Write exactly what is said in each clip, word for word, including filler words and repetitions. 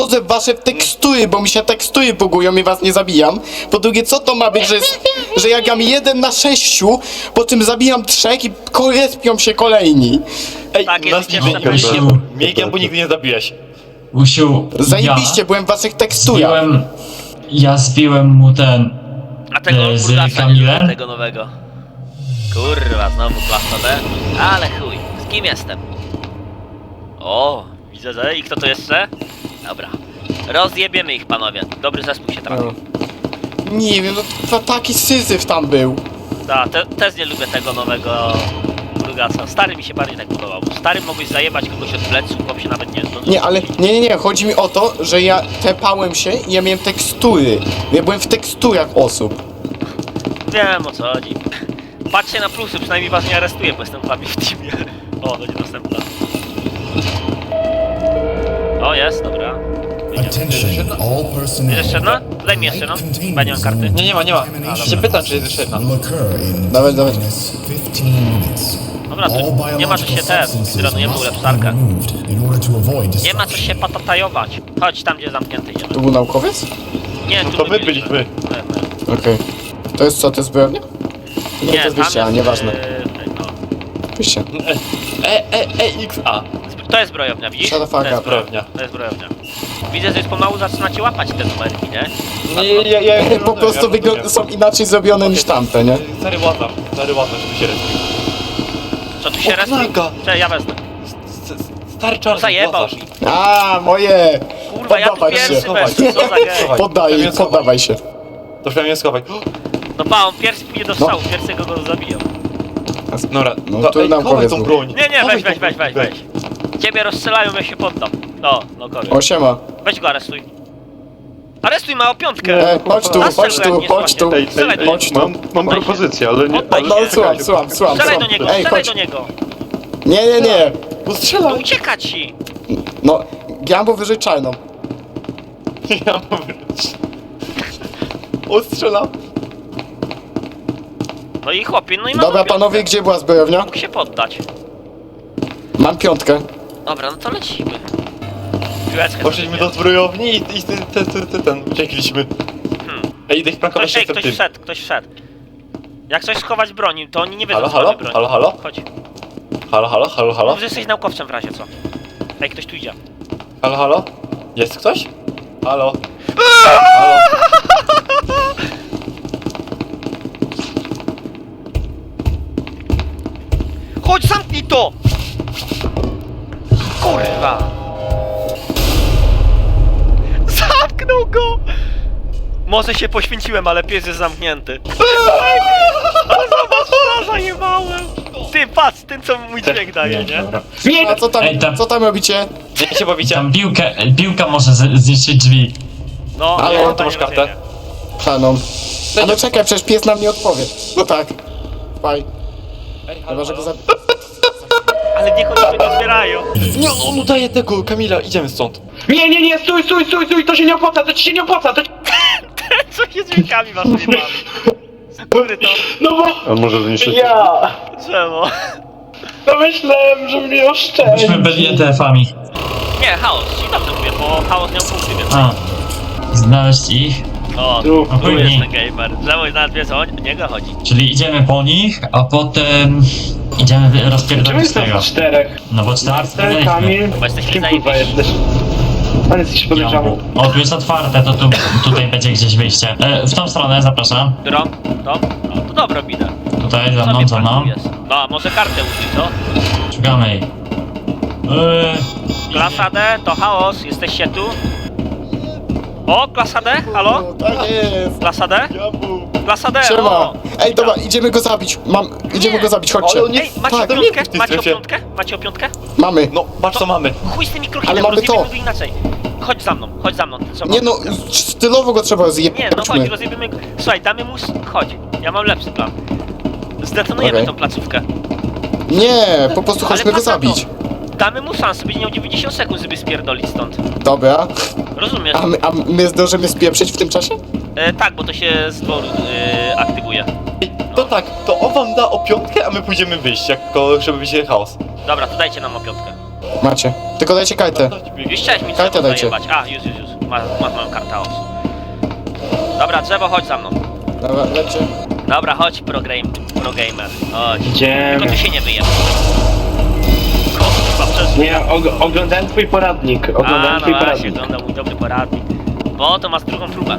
wchodzę w wasze tekstury, bo mi się tekstury bugują i was nie zabijam. Po drugie, co to ma być, że, że ja gram jeden na sześciu, po czym zabijam trzech i respią się kolejni. Ej, Tak, jest nas nie ucieczka bijesz. pewnie. Miegiem, bo nigdy nie zabijesz. Usiu, Zajebiście, byłem w waszych teksturach. zbiłem, ja zbiłem mu ten, A tego e, z Burgasa nie Kamilem? lubię, tego nowego. Kurwa, znowu klasa D. Ale chuj, z kim jestem? O, widzę, że... I kto to jeszcze? Dobra. Rozjebiemy ich, panowie. Dobry zespół się trafił. Nie wiem, no to taki syzyf tam był. Da, te, też nie lubię tego nowego Burgasa. Stary mi się bardziej tak podobał. Stary mogłeś zajebać kogoś od pleców, chłop się nawet nie zdążył. Nie, ale nie, nie, nie, chodzi mi o to, że ja tepałem się i ja miałem tekstury. Ja byłem w teksturach osób. Wiem, o co chodzi. Patrzcie na plusy, przynajmniej was nie aresztuję, bo jestem z wami w teamie. O, będzie następna. O, jest, dobra. Attention, all personnel. Jest jeszcze jedna? Daj mi jeszcze jedną. Chyba nie mam karty. Nie, nie ma, nie ma. Się pytam, czy jest jeszcze jedna. Will occur in Dawaj, dawaj. minus fifteen minutes. Dobra, All tu nie ma co się biological te, substances dronujemy must be ulepszarkę. removed in order to avoid Nie ma co destruction. się patatajować. Chodź tam, gdzie zamknięty idziemy. To był naukowiec? Nie, No tu to my my byliśmy. byliśmy. My, my. Okej. To jest co, to jest zbrojownia? Nie, to jest tam wyjście, a nieważne. yy, no. Wyjście. E, e, e, X, A. Zbro- To jest zbrojownia, widzisz? Shut the fuck To jest up. Zbrojownia. To jest zbrojownia. Widzę, że już pomału zaczynacie łapać te numerki, nie? Nie, ja, ja, ja, Po prostu wygląda, są inaczej zrobione niż tamte, nie? Stary łata, stary łata, żeby się respił. Co tu się O, respił? knaga. Cześć, ja wezmę. Stary czarny Zajebał łatasz. mi. A, moje! Kurwa, ja tu Poddawać się. pierwszy weszłem, co za gej. Schowaj. Poddaj, Przynajmniej schowaj. poddawaj się. To przynajmniej schowaj. No pa, on pierwszy pójdzie do strzału, pierwszego go zabiją. Dobra, No to, tu ej, nam chowaj powiedz tą mu. broń. Nie, nie, Chowaj weź, tą weź, weź, broń. weź, weź. Ciebie rozstrzelają, ja się poddam. No, no kory. O, siema. Weź go aresztuj. Aresztuj, ma o piątkę. E, chodź tu, Zastrzel chodź go, jak tu, nie chodź tu. złaśnie. Strzelaj do niego. Chodź tu. Mam, mam Oddaj się. propozycję, ale nie... Oddaj No, się. słucham, słucham, słucham, Strzelaj do słucham. niego, Ej, strzelaj chodź. do niego. Nie, nie, nie. No No strzelaj! ucieka ci. No, ja mam wyżej czarną. Ja mam O, strzelam. No i chłopie, no i mam Dobra, piątkę. panowie, gdzie była zbrojownia? Mógł się poddać. Mam piątkę. Dobra, no to lecimy. Piłeczkę Poszliśmy do sobie. zbrojowni i, i ten, ten, ten, ten, ten, uciekliśmy. Hmm. Ej, idę ich prankować Ktoś, ej, się ktoś tym. wszedł, ktoś wszedł. Jak coś schować broni, to oni nie wiedzą, Halo, że mamy halo? broń. Halo, halo? Chodź. Halo, halo, halo, halo? Mów, że jesteś naukowcem w razie co. Ej, ktoś tu idzie. Halo, halo? Jest ktoś? Halo? Halo? Chodź, zamknij to! Kurwa! Zamknął go! Może się poświęciłem, ale pies jest zamknięty. Ale zobacz, co zajebałem! Ty, patrz, ten co mój dźwięk daje, nie? Dobra. A co tam, Ej, tam- co tam robicie? Gdzie się bawicie? tam piłkę, piłka może z- zniszczyć drzwi. No, Ale nie, to to masz nie kartę? rozumiem. Planą. A no czekaj, przecież pies nam nie odpowie. No tak. Faj. Ej, Chyba, halo, że go halo? zabi... Ale niech oni tego zbierają. Nie, on udaje tego, Kamila, idziemy stąd. Nie, nie, nie, stój, stój, stój, stój, to się nie opłaca, to ci się nie opłaca, to... Co się z dźwiękami waszymi bawi? Który to? No bo... On może zniszczyć... Ja... Czemu? No myślałem, że mnie oszczędzi. Myśmy byli E T F-ami. Nie, chaos, ci dobrze mówię, bo chaos miał punkty, więc... A. Znaleźć ich, O, Tu, tu tu jest nie. ten gamer. Czemu nawet wiesz, o niego chodzi. czyli idziemy po nich, a potem idziemy wy- Czemu rozpierdolić jestem tego. w czterech? No bo cztery Marcel, wspomnieliśmy. Kamil... Bo jesteśmy Kim kurwa zajebiści. jesteś? Pan jest jakiś podejrzany. O, tu jest otwarte, to tu, tutaj będzie gdzieś wyjście. E, w tą stronę zapraszam. Którą? To? No, to dobra, widzę. Tutaj, za Co mną, mnie za mną. parkujesz? No, a może kartę użyj, co? Szukamy jej. Eee, Klasa D, to chaos, jesteście tu? O, klasa D, halo? Tak jest. Klasa D? Klasa D, Siema. o! Ej, dobra, idziemy go zabić. Mam... Idziemy Nie. go zabić, chodźcie. Ale on nie- Ej, macie Tak. o piątkę? w tej Macie o strefie. piątkę? Macie o piątkę? Mamy. No, patrz co mamy. Chuj z tymi krokami, Ale mamy rozjebiemy to. go inaczej. Chodź za mną, chodź za mną. Co Nie mam? no, stylowo go trzeba zjebać. Nie, no chodź, rozjebiemy go. Słuchaj, damy mu... s- Chodź, ja mam lepszy plan. Zdetonujemy Okej. tą placówkę. Nie, po prostu chodźmy go patrz na to. zabić. Damy mu szansę, będzie miał dziewięćdziesiąt sekund, żeby spierdolić stąd. Dobra. Rozumiesz? A my, a my zdążymy spieprzyć w tym czasie? E, tak, bo to się z dworu e, aktywuje. Ej, to tak, to on wam da o piątkę, a my pójdziemy wyjść, jako żeby być chaos. Dobra, to dajcie nam o piątkę. Macie. Tylko dajcie kartę. Już chciałeś mi Kartę drzewo dajcie. zajebać. A, już, już, już. Masz, masz moją kartę os. Dobra, drzewo, chodź za mną. Dobra, lecie. Dobra, chodź, pro, game, pro gamer. Chodź. Tylko Idziemy. tu się nie wyje. Kurwa, przez... Nie, og oglądałem twój poradnik. A, Oglądałem no twój właśnie, poradnik. oglądał mój dobry poradnik. Bo to masz drugą próbę.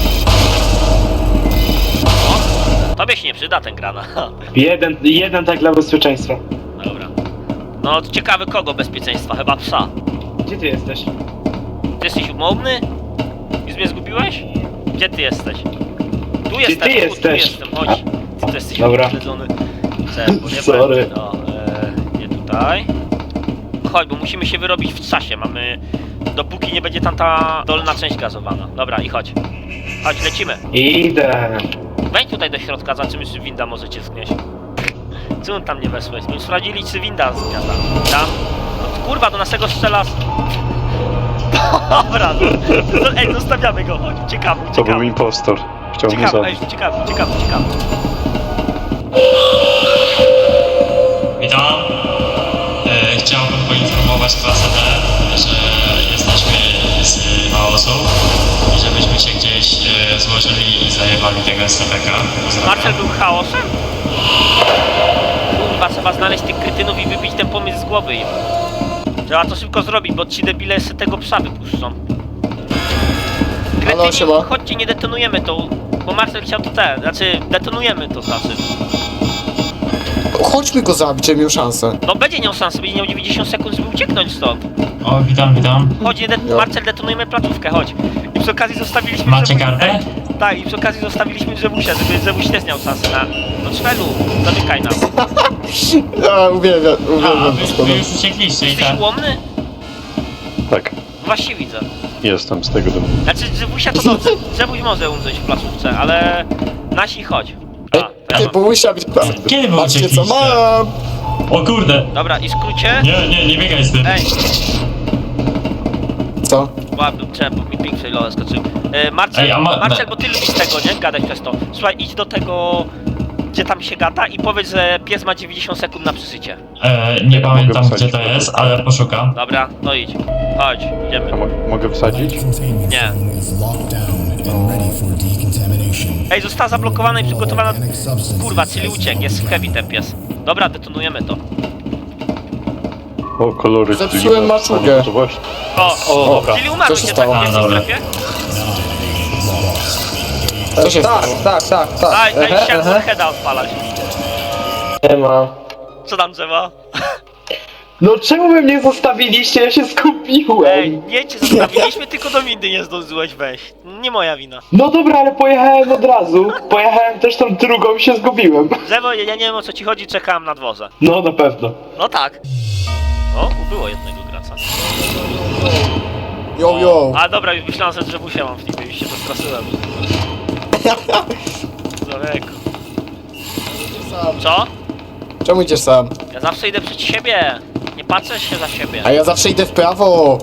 O, tobie się nie przyda ten granat. Jeden, jeden tak dla bezpieczeństwa. Dobra. No, ciekawy kogo bezpieczeństwa? Chyba psa. Gdzie ty jesteś? Ty jesteś umowny? Już mnie zgubiłeś? Gdzie ty jesteś? Tu jestem, ty tu, tu jesteś? jestem, chodź. Ty to jesteś Dobra. uśledzony. Czemu, nie Sorry. będzie. No, e, nie tutaj. Chodź, bo musimy się wyrobić w czasie. Mamy... Dopóki nie będzie tam ta dolna część gazowana. Dobra, i chodź. Chodź, lecimy. Idę. Wejdź tutaj do środka, zobaczymy, czy winda może cię zgnieść. Co on tam nie wesłeś? My sprawdzili, czy winda zgniata. Tam? No, kurwa, do naszego strzela... z- Dobra, no, no, ej, zostawiamy go, chodź, uciekamy, To był uciekamy. impostor. Chciał mnie Uciekamy, ej, zabić. uciekamy, uciekamy, uciekamy. Witam. E, chciałbym poinformować klasę D, że jesteśmy z chaosów i żebyśmy się gdzieś e, złożyli i zajebali tego S C P K. Marcel był chaosem? Kurwa, trzeba znaleźć tych kretynów i wybić ten pomysł z głowy im. Trzeba to szybko zrobić, bo ci debile se tego psa wypuszczą. Halo, Kretyni, siema. chodźcie, nie detonujemy to, bo Marcel chciał to ten, znaczy detonujemy to znaczy. Chodźmy go zabić, żeby miał szansę. No będzie miał szansę, będzie miał dziewięćdziesiąt sekund, żeby ucieknąć stąd. O, witam, witam. Chodź, nie de Jo. Marcel, detonujemy placówkę, chodź. I przy okazji zostawiliśmy... Macie Zewu- kartę? Tak, i przy okazji zostawiliśmy Zewusia, żeby Zewuś też miał szansę na... No Czwelu, zamykaj nas. Ja uwielbiam, A, uwielbiam wy, to wy już uciekliście i Jesteś tak. ułomny? Tak, Właśnie widzę. jestem z tego domu. Znaczy, Zewusia to dobrze, Zewuś może umrzeć w placówce, ale... Nasi chodź. A, Ej, to ja ty mam. Bogusia, być... Kiedy wy Patrzcie co uciekliście? mam! O kurde! Dobra, i skrócie... Nie, nie, nie biegaj z tym. Ej, Co? ładny, czemu, bo mi ping failole skoczył. E, Marcel, Ej, a ma- Marcel, bo ty lubisz tego, nie? Gadać przez to. Słuchaj, idź do tego... Gdzie tam się gada i powiedz, że pies ma dziewięćdziesiąt sekund na przeżycie. E, nie Ja pamiętam mogę gdzie to wsadzić. jest, ale poszukam. Dobra, no idź. Chodź, idziemy. A mo mogę wsadzić? Light containment Nie. zone is locked down and ready for decontamination. Ej, została zablokowana i przygotowana... Organic substances Kurwa, czyli as uciekł, jest w heavy ground. ten pies. Dobra, detonujemy to. O, kolory Zepsułem Dreama. maczugę. To właśnie. O, O, dobra. czyli umarłeś Co się jednak stało? w pierwszej A, dobra. strefie? Co się stało? Tak, tak, tak. Aj, aj, Ehe, chciałem ehe. heada odpalać. Nie ma. Co tam drzewa? No czemu wy mnie zostawiliście? Ja się skupiłem. Ej, nie cię zostawiliśmy, tylko do windy nie zdążyłeś wejść. Nie moja wina. No dobra, ale pojechałem od razu. Pojechałem też tą drugą i się zgubiłem. Drzewo, ja nie wiem o co ci chodzi, czekałem na dworze. No na pewno. No tak. O, ubyło jednego gracza. Yo, yo! A dobra, już myślałem, że drzewusia mam w nim, już się zastraszyłem. Człowieku. Co? Czemu idziesz sam? Ja zawsze idę przed siebie. Nie patrzę się za siebie. A ja zawsze idę w prawo!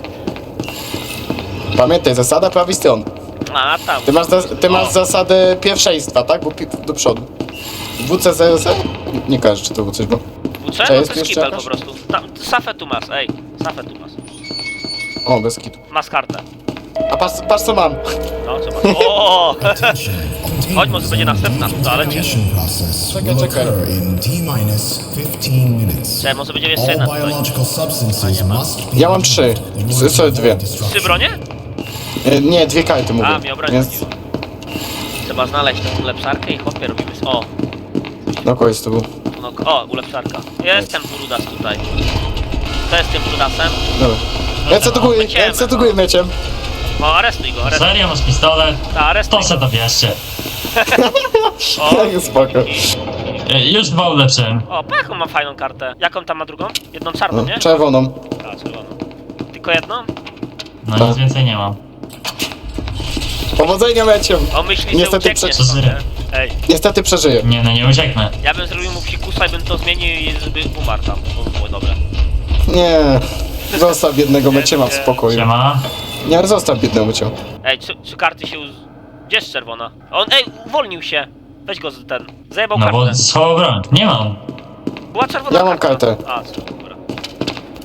Pamiętaj, zasada prawej strony. A, tam. Ty masz, zas- ty masz zasadę pierwszeństwa, tak? Bo pi- do przodu. W C zero zero? Nie, nie kojarzę, czy to było coś było. Włóczę? Czy No jest to jest jeszcze kibel po jakaś? prostu. Tam, safę tu masz, ej. Safę tu masz. O, bez kitu. Masz kartę. A patrz, patrz co mam! No, trzeba. O! Attention. Chodź, może będzie następna w toalecie. Decontamination process Czekaj, will czekaj. occur in T-minus fifteen minutes. Czekaj, może będzie jeszcze All jedna tutaj. biological substances must be Ja mam trzy. removed in order S- sorry, to dwie. avoid destruction. Trzy bronie? E, nie, dwie karty mówię. A, mi obraził. Więc... Trzeba znaleźć tą ulepszarkę i hopie robimy. s- O! No, kogoś to był. No, o, ulepszarka. Jest ten brudas tutaj. To jest tym brudasem. Dobra. Ręce do góry, Lecimy, ręce do no. góry mieczem. O, aresztuj go, aresztuj. Serio, masz pistolet? Ta, aresztuj To se go. to bierzcie. O, Tak, spoko. E, już dwa ulepszyłem. o, Pachu ma fajną kartę. Jaką tam ma drugą? Jedną czarną, No, nie? czerwoną. A, czerwoną. Tylko jedną? No Tak. nic więcej nie mam. Powodzenia meczem. On myśli, że Niestety ucieknie prze- stąd, nie? Ej, Niestety przeżyję. Nie no, nie ucieknę. ja bym zrobił mu psikusa i bym to zmienił i żeby umarł tam. To by było dobre. Nie. Zostaw biednego meciema w spokoju. Siema. Nie, ale zostaw biednego meciema. Ej, czy, czy karty się... Uz... Gdzie jest czerwona? On, ej, uwolnił się. Weź go z ten. Zajebał No kartę. bo schował broń. Nie mam. Była czerwona Ja mam karta. kartę. A, co, dobra.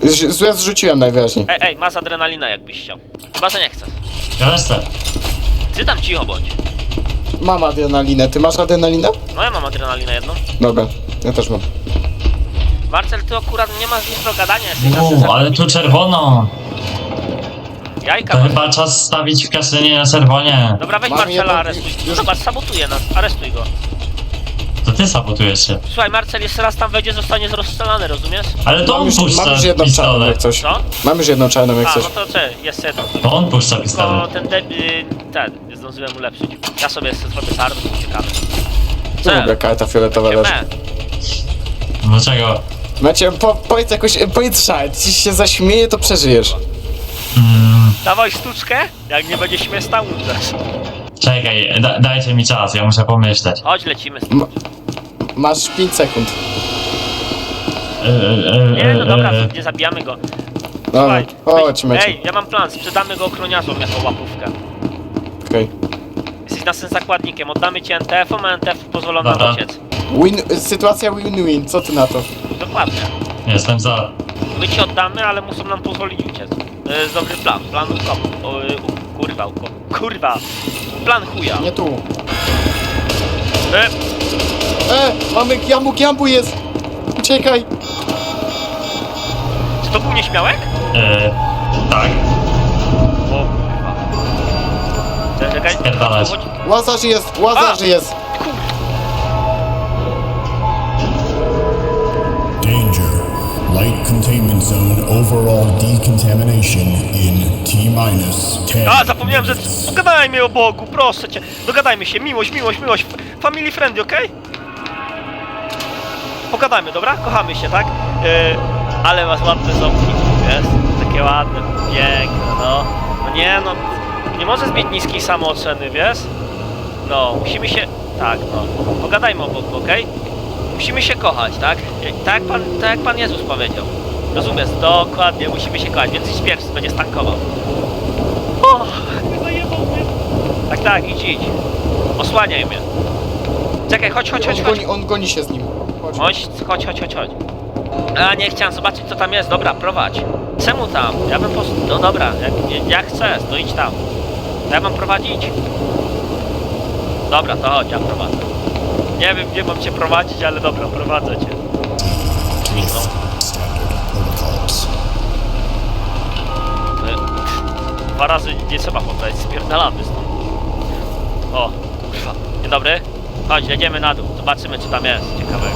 Z- Złe zrzuciłem najwyraźniej. Ej, ej, masz adrenalinę jakbyś chciał. Chyba, że nie chcesz. Ja chcę. Ty tam cicho bądź. Mam adrenalinę, ty masz adrenalinę? No ja mam adrenalinę jedną. Dobra, ja też mam. Marcel, ty akurat nie masz nic do gadania, jesteś na Uuu, ale tu czerwono. Jajka To masz. chyba czas stawić w kasynie na czerwonie. Dobra, weź Mam Marcela, jedną- aresztuj. już- Zobacz, sabotuje nas, aresztuj go. To ty sabotujesz się. Słuchaj, Marcel, jeszcze raz tam wejdzie, zostanie rozstrzelany, rozumiesz? Ale to Mam on już, mam puszcza już jedną czarną jak pistolet. coś. Co? Mam już jedną czarną jak A, coś. no to czy, jest jedno. To on puszcza Tylko pistolet. ten debil, ten, nie zdążyłem ulepszyć. Ja sobie jeszcze zrobię sardę, bo uciekamy. Dobra, karta fioletowa leży. Me. Dlaczego? Macie, po, powiedz jakoś, powiedz szal, jeśli się zaśmieje, to przeżyjesz. Mm, Dawaj sztuczkę, jak nie będzie śmieszna, umrzesz. czekaj, da, dajcie mi czas, ja muszę pomyśleć. Chodź, lecimy. M masz pięć sekund. E, e, e, Nie, no dobra, e, nie zabijamy go. No, Słuchaj, chodź, weź- Mecie. Ej, ja mam plan, sprzedamy go ochroniarzom jako łapówkę. Okej. Jesteś naszym zakładnikiem, oddamy ci N T F-om, a N T F pozwolą nam Dobra. uciec. Win, sytuacja win-win, co ty na to? Dokładnie. Jestem za. My ci oddamy, ale muszą nam pozwolić uciec. To jest dobry plan, plan ukop. O, y, u, kurwa, ukop. Kurwa. Plan chuja. Nie tu. E, E, mamy giambu, giambu jest! Uciekaj! czy to był nieśmiałek? E, tak. O kurwa. Czekaj, czekaj. Spierdalać. Chodź. Łazarz jest, łazarz A! jest! Danger. Light containment zone overall decontamination in T minus ten. A, zapomniałem, że... Pogadajmy o Bogu, proszę cię. Dogadajmy się, miłość, miłość, miłość. Family friendly, okej? Pogadajmy, dobra? Kochamy się, tak? Yy, ale masz ładne ząbki, wiesz? Takie ładne, piękne, no. No nie, no... Nie możesz mieć niskiej samooceny, wiesz? No, musimy się... Tak, no. Pogadajmy o Bogu, okej? Musimy się kochać, tak? Tak jak, pan, tak jak Pan Jezus powiedział. Rozumiesz? Dokładnie, musimy się kochać, więc idź pierwszy, będzie stankował. O, zajebał mnie. Tak, tak, idź, idź. Osłaniaj mnie. Czekaj, chodź, chodź, chodź, On chodź. goni, on goni się z nim. Chodź. Chodź, chodź, chodź, chodź, chodź. A, nie chciałem zobaczyć, co tam jest. Dobra, prowadź. Czemu tam? Ja bym post... No dobra, jak, jak chcesz, to idź tam. To ja mam prowadzić? Dobra, to chodź, ja prowadzę. Nie wiem, gdzie mam cię prowadzić, ale dobra, prowadzę cię. Zniknął. Standard protocols. Y, Dwa razy nie trzeba powtarzać, spierdalamy stąd. O, kurwa. Dzień dobry. Chodź, jedziemy na dół. Zobaczymy, co tam jest ciekawego.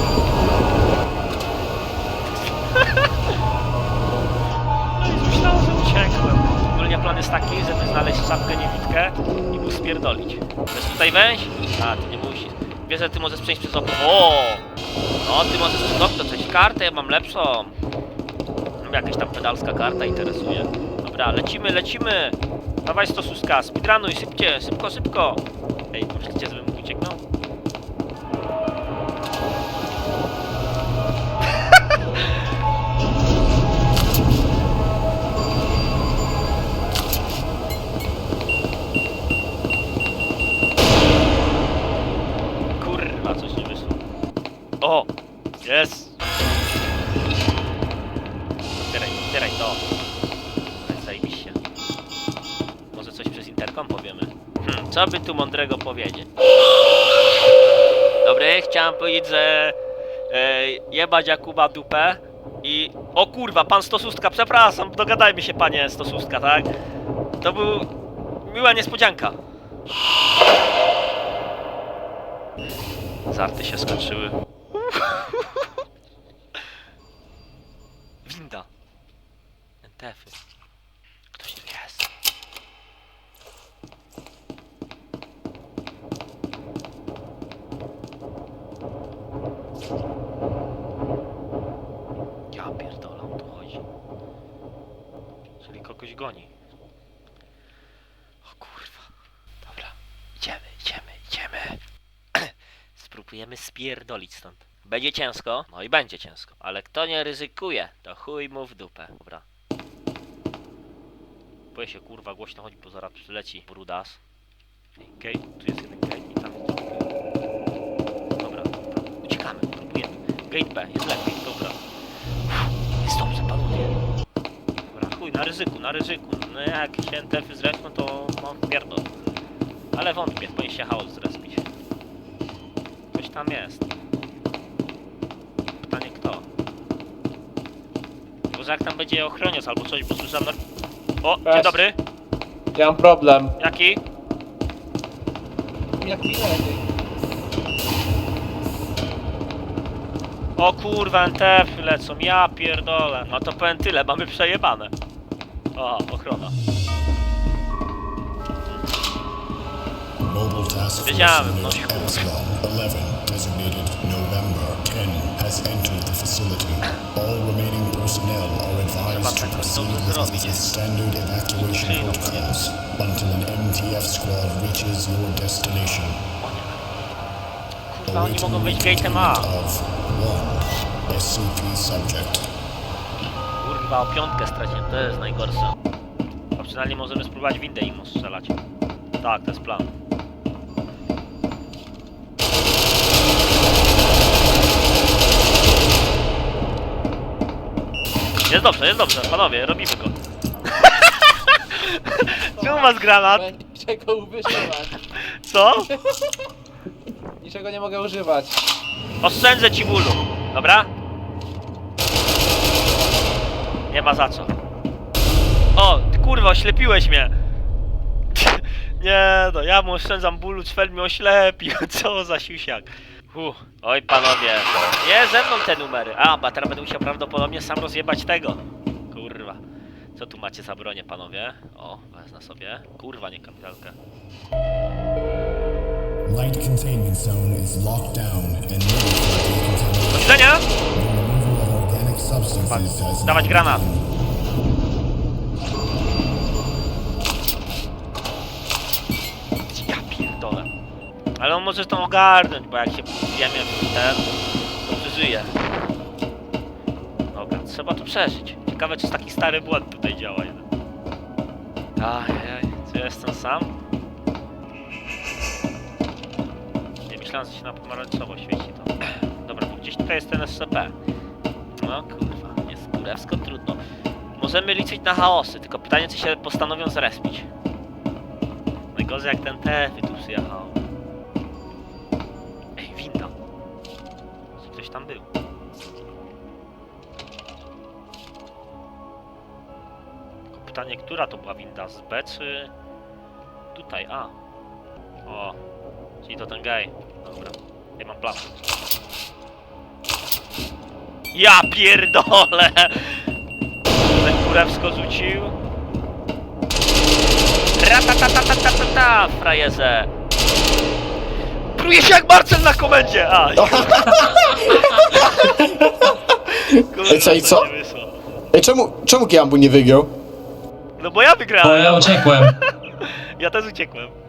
No i myślałem, że uciekłem. Ogólnie plan jest taki, żeby znaleźć czapkę niewidkę i mu spierdolić. Chcesz tutaj wejść? A, ty nie musisz. Wiesz, że ty możesz przejść przez okno. O! No, ty możesz przez okno przejść. Kartę ja mam lepszą. Jakaś tam pedalska karta interesuje. Dobra, lecimy, lecimy! Dawaj stosuska, speedrunuj, szybcie, szybko, szybko! Ej, myślicie, żebym ucieknął? Kurwa, coś nie wyszło. O! Jest! Otwieraj, otwieraj to. To jest zajebiście. Może coś przez interkom powiemy. Hmm, co by tu mądrego powiedzieć? Dobry, chciałem powiedzieć, że e, jebać Jakuba dupę i... O kurwa, pan Stosustka, przepraszam, dogadajmy się, panie Stosustka, tak? To był... miła niespodzianka. Żarty się skończyły. Winda. N T F-y. Ktoś tu jest. Ja pierdolę, on tu chodzi. Czyli kogoś goni. O kurwa. Dobra. Idziemy, idziemy, idziemy. Spróbujemy spierdolić stąd. Będzie ciężko, no i będzie ciężko. Ale kto nie ryzykuje, to chuj mu w dupę. Dobra. Boję się, kurwa, głośno chodzi, bo zaraz przyleci brudas. Gate, tu jest jeden gate i tam jest drugi gate. Dobra, dobra. Uciekamy, próbujemy. Gate B, jest lepiej, dobra. Uff, jest dobrze, panowie. chuj, na ryzyku, na ryzyku. No jak się N T F-y zrespią, to mam pierdol. Ale wątpię, powinien się chaos zrespić. Ktoś tam jest. Pytanie kto? Może jak tam będzie ochroniec albo coś, bo słyszałem na... O, dzień Cześć. dobry. Ja mam problem. Jaki? Jak mi lepiej. O kurwa, N T F-y lecą, ja pierdolę. No to powiem tyle, mamy przejebane. O, ochrona. Mobile Task Force Wiedziałem, no Unit kurwa. Epsilon eleven, designated November ten, has entered the facility. All remaining personnel are advised to proceed with the standard evacuation protocols until an M T F squad reaches your destination. Kurwa, oni Awaiting mogą być gate'em A. of one S C P subject. Kurwa, o piątkę straciłem, to jest najgorsze. A przynajmniej możemy spróbować windę im strzelać. Tak, to jest plan. Jest dobrze, jest dobrze, panowie, robimy go. Czemu masz granat? Niczego używać. Co? Niczego nie mogę używać. Oszczędzę ci bólu, dobra? Nie ma za co. O, ty kurwa, oślepiłeś mnie. Nie no, ja mu oszczędzam bólu, Czwel mnie oślepił. Co za siusiak. Uff. Oj panowie, nie ze mną te numery. A, bo teraz będę musiał prawdopodobnie sam rozjebać tego. Kurwa. Co tu macie za bronię, panowie? O, wezmę sobie. Kurwa, nie kapitalkę. Light containment zone is locked down and ready for decontamination. Do widzenia! The removal of organic substances has Dawać now granat. begun. Ja pierdolę. Ale on może to ogarnąć, bo jak się wiemy w ten, to przeżyje. Dobra, trzeba to przeżyć. Ciekawe, czy taki stary błąd tutaj działa jeden. Ajajaj, czy jestem sam? Nie myślałem, że się na pomarańczowo świeci to. Dobra, bo gdzieś tutaj jest ten S C P. No kurwa, jest kurewsko trudno. Możemy liczyć na chaosy, tylko pytanie, czy się postanowią zrespić. Najgorzej jak ten T F tu przyjechał. Ej, winda. Czy ktoś tam był? Tylko pytanie, która to była winda? Z B czy... Tutaj, a. O. Czyli to ten gej. Dobra. Ja mam plan. Ja pierdolę! Ten kurewsko rzucił. Ratatatatata, frajerze! Pruje się jak Marcel na komendzie! A, kurwa, Ej, co, i co? to nie wyszło. Ej, czemu, czemu Giambu nie wygrał? No bo ja Bo wygrałem! ja uciekłem. Ja też uciekłem.